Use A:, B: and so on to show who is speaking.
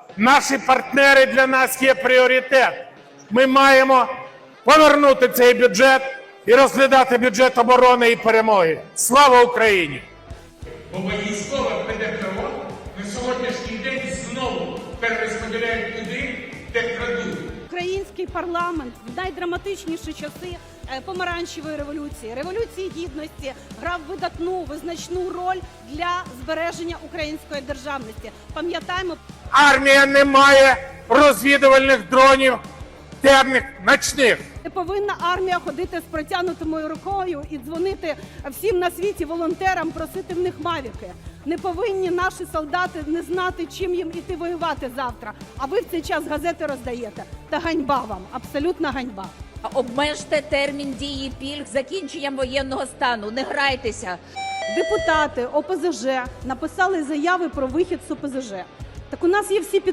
A: наші партнери для нас є пріоритет. Ми маємо повернути цей бюджет і розглядати бюджет оборони і перемоги. Слава Україні!
B: Бо військове ПДФО на сьогоднішній день знову перерозподіляють туди, де крадуть.
C: Український парламент в найдраматичніші часи помаранчевої революції, революції гідності грав видатну, визначну роль для збереження української державності. Пам'ятаємо,
A: Армія не має розвідувальних дронів темних, ночних.
C: не повинна армія ходити з протягнутою рукою і дзвонити всім на світі волонтерам, просити в них мавіки. Не повинні наші солдати не знати, чим їм іти воювати завтра. А ви в цей час газети роздаєте. Та ганьба вам, абсолютна ганьба.
D: Обмежте термін дії пільг закінченням воєнного стану. Не грайтеся.
C: Депутати ОПЗЖ написали заяви про вихід з ОПЗЖ. Так у нас є всі